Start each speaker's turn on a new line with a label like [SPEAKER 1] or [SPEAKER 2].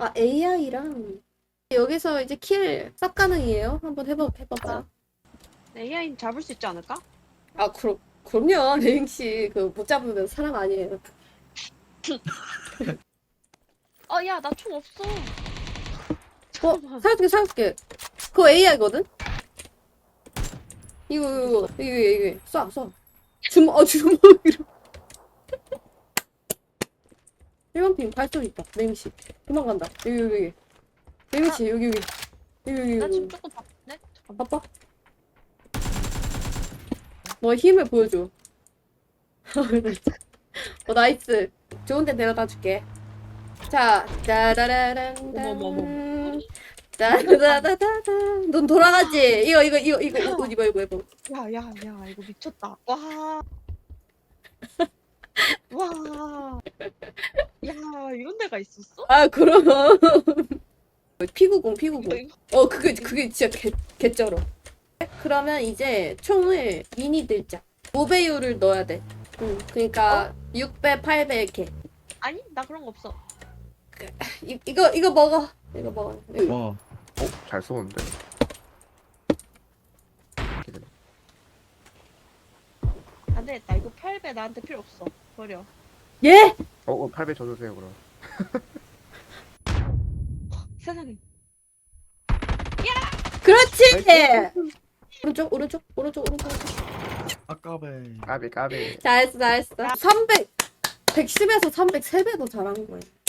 [SPEAKER 1] 아, AI랑 여기서 이제 킬 쌉 가능이에요? 한번 해봐봐요.
[SPEAKER 2] AI는 잡을 수 있지 않을까?
[SPEAKER 1] 아, 그럼요. 레잉씨 그 못 잡으면 사람 아니에요.
[SPEAKER 2] 야, 나 총 없어. 잠깐만.
[SPEAKER 1] 살려줄게. 그거 AI거든? 이거 쏴. 주먹이로. 1번 핑 발소리 있다. 레잉씨. 도망간다. 여기. 레잉씨, 여기.
[SPEAKER 2] 나 지금 조금 바쁜데? 잠깐만.
[SPEAKER 1] 바빠? 너 힘을 보여줘. 나이스. 좋은 데 데려다 줄게. 자, 짜라라란.
[SPEAKER 2] 어머머머.
[SPEAKER 1] 따다다다다. 넌 돌아가지? 이거, 옷 입어.
[SPEAKER 2] 야, 이거 미쳤다. 와. 와. 야, 이런 데가 있었어?
[SPEAKER 1] 아, 그럼. 피구공.
[SPEAKER 2] 이거.
[SPEAKER 1] 그게 진짜 개쩔어. 그러면 이제 총을 미니 들자. 5배율을 넣어야 돼. 응, 그니까 6배, 8배 이렇게.
[SPEAKER 2] 아니, 나 그런 거 없어.
[SPEAKER 1] 이거 먹어. 이거 먹어.
[SPEAKER 3] 와,
[SPEAKER 4] 잘 쏘는데.
[SPEAKER 2] 안 되겠다. 이거 8배 나한테 필요 없어. 버려.
[SPEAKER 1] 예?
[SPEAKER 4] 8배 줘주세요, 그럼.
[SPEAKER 2] 세상에.
[SPEAKER 1] 그렇지! 오른쪽.
[SPEAKER 3] 아까베.
[SPEAKER 4] 까비.
[SPEAKER 1] 잘했어. 300, 110에서 300, 3배 더 잘한 거야.